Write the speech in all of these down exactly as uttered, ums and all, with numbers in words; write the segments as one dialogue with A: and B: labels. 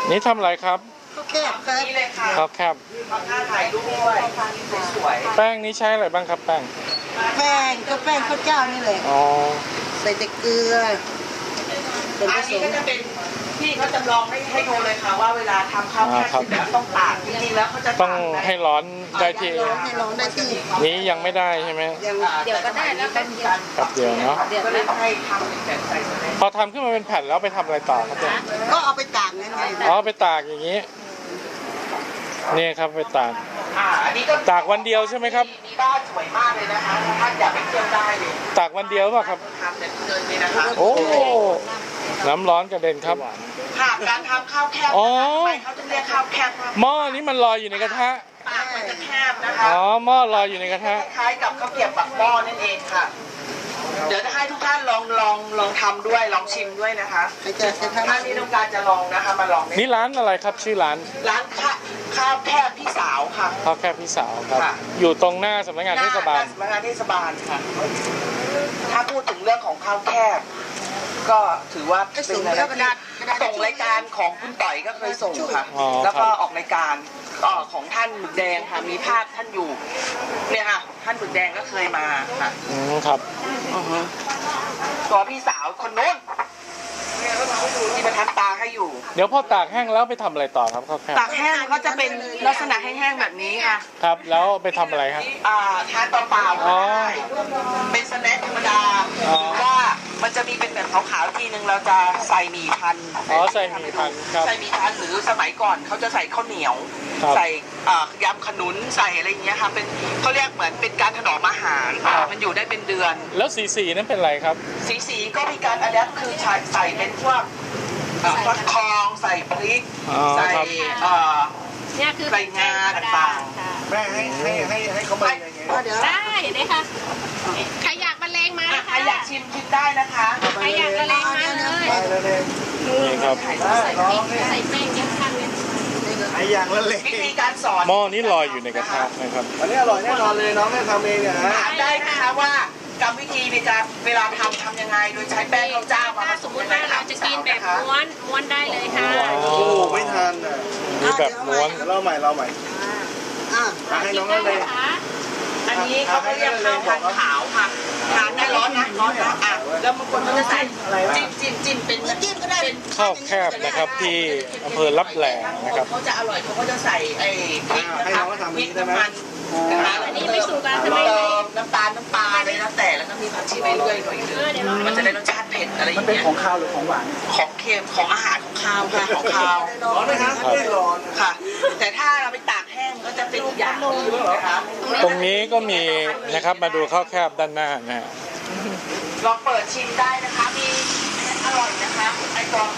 A: นี่ทำอะไรครับ
B: ข้าวแคบครับนี่เลยค่ะ
A: ข้าวแคบ
B: ทำหน้าถ่ายรูปด้วยสวย
A: แป้งนี้ใช้อะไรบ้างครับแป้ง
B: แป้งก็แป้งข้าวเจ้านี่แหละ
A: อ๋อ
B: ใส่แต่เกลือส่วนผสมก็จะเป็นพี่เขาจำลองให้ให้ดูเลยค่ะว่าเวลาทำข้าวแคบแบบต้องตากจริงๆแล้วเขาจะ
A: ต้องให้ร้อนได้ที่
B: ให้ร้อนได้ที่
A: นี้ยังไม่ได้ใช่ไหม
B: เดี๋ยวก็ได้แล้วแป๊บเดียว
A: แป๊บเดียวเนาะ
B: เดี๋ยวก็ให้ทำเป็นใส่
A: พอทำขึ้นมาเป็นแผ่นแล้วไปทำอะไรต่อครับเนี่ย
B: ก็เอาไปตากนั่นไง
A: อ๋อไปตากอย่างนี้นี่ครับไปตาก
B: อ่าอันนี้ก็
A: ตากวันเดียวใช่ไหมครับ
B: นี่บ้านสวยมากเลยนะคะท่านอยากไปเที่ยวได้เลย
A: ตากวันเดียวป่ะครับ
B: ทำแบบเดินเลยนะคะ
A: โอ้น้ำร้อนกระเด็นครับ
B: ค่ะการทำข้าวแคบนะคะเขาจะเรียกข้าวแคบ
A: หม้อนี้มันลอยอยู่ในกระทะ
B: ปากมันจะแคบนะคะ
A: อ๋อหม้อลอยอยู่ในกระทะ
B: คล้ายกับข้าวเกรี๊ยวปักหม้อนั่นเองค่ะเดี๋ยวจะให้ทุกท่านลองลองลองทำด้วยลองชิมด้วยนะคะท่านที่ต้องการจะลองนะคะมาลอง
A: นี่ร้านอะไรครับชื่อร้าน
B: ร้านข้าวข้าวแคบพี่สาวค่ะ
A: ข้าวแคบพี่สาวครับอยู่ตรงหน้าสำนักงานเทศบาล
B: สำนักงานเทศบาลค่ะถ้าพูดถึงเรื่องของข้าวแคบก็ถือว่าเป็นส่งรายการของคุณต่อยก็เคยส่งค่ะแล้วก็ออกรายการของท่านหมึกแดงค่ะมีภาพท่านอยู่เนี่ยค่ะท่านหมึกแดงก็เคยมาค่ะ
A: อืมครับ
B: ตัวพี่สาวคนนู้นที่มาทำตาให้อยู่
A: เดี๋ยวพอตากแห้งแล้วไปทำอะไรต่อครับข้าวแคบ
B: ตากแห้งเขาจะเป็นลักษณะแห้งๆแบบนี้ค่ะ
A: ครับแล้วไปทำอะไรครับ
B: อ่าทานเปล่าๆก็ได้เป็นสแน็คธรรมดาหรือว่ามันจะมีเป็นแบบขาวๆทีนึงเราจะใส่หมี่พัน
A: อ๋อใส่หมี่พันครับ
B: ใส่หมี่พันหรือสมัยก่อนเขาจะใส่ข้าวเหนียวใส่ยำขนุนใส่อะไรอย่างเงี้ยค่ะเป็นเขาเรียกเหมือนเป็นการถนอมอาหารมันอยู่ได้เป็นเดือน
A: แล้วสีสีนั้นเป็นอะไรครับ
B: สีสีก็มีการอะแดปคือใส่เป็นพวกฟักทองใส่พริกใส่
C: เนี่ยคือ
B: ใส่งาต่าง
D: ๆแม่ให้ให้ให้ให้เขามาอย่างเงี้ย
C: ได้เลยค่ะใครอยากมาเลงมา
B: ใครอยากชิมชิมได้นะคะ
C: ใครอยากมาเลงมาเลย
A: นี่ครับ
C: ใส่พริกใส่แป้งเยอะข้างเนี่ย
D: ไอ้อย่างละเล็ก
B: วิธีการสอน
A: หม้อนี้ลอยอยู่ในกระทะนะครับ
D: อันนี้อร่อยแน่นอนเลยน้องแม่ทำเองเนี่ย
B: ถามได้นะคะว่ากรรมวิธีในการเวลาทำทำยังไงโดยใช้แป้งข้าวเจ้ามาผสม
C: มติว่าเราจะกินแบบม้วนม้วนได้เลยค่ะ
D: โอ้ไม่ทันอ่ะ
A: มีแบบม้วน
D: เราใหม่เราใหม่
B: อ่า
D: ให้น้องนั่นเลย
B: อันนี้เขาเรียกข้าวพันขาวค่ะทานได้ร้อนนะร้อนนะอ่ะแล้วบางคนเขาจะใส่จิ้มจิ้มจิ้มเป็นจิ้มก็ได้เป็น
A: ข้าวแคบนะครับที่อำเภอลับแหลนะครับ
B: เขาจะอร่อยเขาก็จะใส่ไอ้พริกนะคะพริกน้ำมัน
C: อันนี้ไม่สูตรการทำไม
B: น้ำตาลน้ำปลาอะไรแล้วแต่แล้วก็มีผักชีใบเลื่อยหน่อยนึงมันจะได้รสชาติเผ็ดอะไรอย่างเงี้ย
D: มันเป็นของข้าวหรือของหวาน
B: ของเค็มของอาหารของข้าวค่ะของข้าว
D: ร้อนไหมครับไม่ร้อน
B: ค่ะแต่ถ้าเราไปตากแห้งก็จะเป็นอย่างนึงนะคะ
A: ตรงนี้ก็มีนะครับมาดูข้าวแคบด้านหน้านะฮะ
B: ลองเปิดชิมได้นะคะมีอร่อยนะคะไอ้ตัว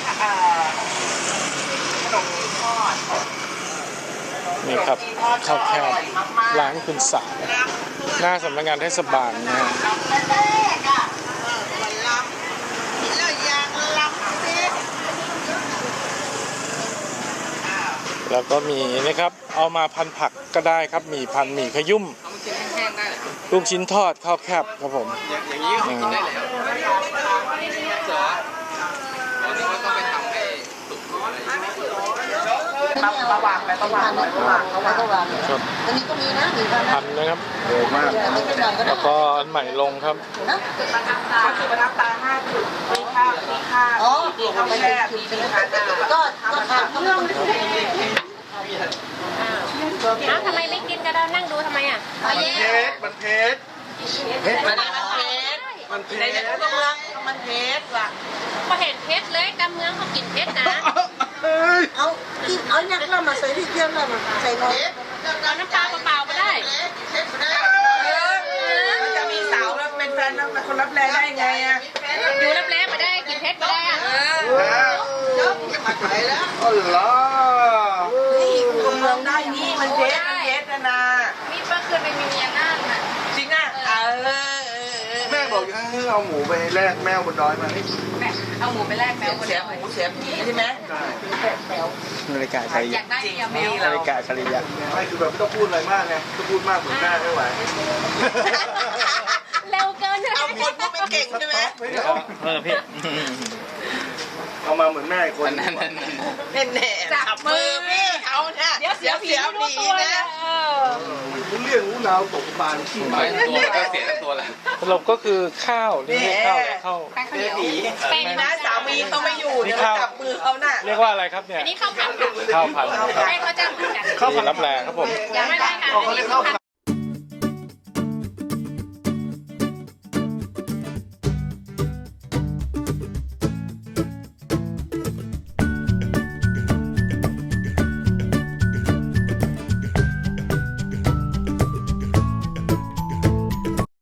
B: ขนมจีนทอด
A: นี่ครับข้าวแคบร้านคุณสาวหน้าสำนักงานเทศบาลนะฮะแล้วก็มีนะครับเอามาพันผักก็ได้ครับมีพันหมี่ขยุ่มลูกชิ้นทอดข้าวแคบครับผม
D: อย่างนี้ก็กินได้แล้ว
B: ประวางไปประวางประวางประวางประวาง
A: ครับ
B: อันนี้ก็มีนะมีพัน
A: นะครับ
D: เยอะมาก
A: แล้วก็อันใหม่ลงครับ
B: จุดประทับตาจุดประทับตาห้าจุดมีข้าวมีข้าวอ๋อมีข้าวแช่มีข้าวก็ก็ทำเรื่อง
C: อ้าวทำไมไม่กินกันเรานั่งดูทำไมอ่ะ
D: มันเผ็ดมันเผ็ด
B: เผ็ดมันเผ็ดมันเผ็ดในตัวเมืองมันเผ็ดว่ะ
C: พอเห็นเพชรเลยกำเมืองเขากินเพชรนะ
B: เอากินเอาเนี่ยเรามาใส่ที่เที่ยวเรามาใส่น้อย
C: เอาน้ำปลาเปล่าๆก็ได้
B: มันจะมีสาวแล้วเป็นแฟนคนรับแรงได้ไงอ่ะ
C: อยู่รับแรงมาได้กินเพชรก็ได้อ่ะ
B: เยอะมาขายแล้ว
D: อ๋อเหรอ
B: นี่ตัวเมืองได้นี่มันเพชรมันเพชรนะนะ
C: มีเมื่อคืนไปมีเมียนั่งอ่ะ
B: จริงอ่ะเออ
D: แม่บอกให้เอาหมูไปแลกแมวบนดอยมา
C: แม่เอาหมูไปแลกแมว
B: เสียหมูเสียผีใช่ไหมใช่
A: นาฬิกาชาลิ
C: ยะจริง
A: นาฬิกาชาลิยะ
D: ไม่คือแบบไม่ต้องพูดอะไรมากไงถ้าพูดมากเหมือนแม่ไม่ไหว
C: เร็วเกินเลย
B: เอาคนก็ไม่เก่งใช่ไหม
A: เออพี่
D: เอามาเหมือนแม่คน
A: นั่น
B: แน่แน่
C: จับรู้ตัวนะเออ
D: รู้เรื่องรู้ราวตกปลาขี้ไป
E: ตัวก็เสียทั้งตัวแหละ
A: สรุปก็คือข้าวนี่เรียกข้าวอะไรข้าว
C: แป้งข้าวเหนียว
B: เป็นนะสามีเขาไม่อยู่เนี่ยจับมือเขาน่ะ
A: เรียกว่าอะไรครับเนี่ย
C: อันนี้ข้าวผัดค่ะ
A: ข้าวผัด
C: แป้งก็จะเหมือนกัน
A: ข้าวผัดรับแรงครับผม
C: ยังไม่ได้ค่ะ
D: เขาเรียกข้าวผัด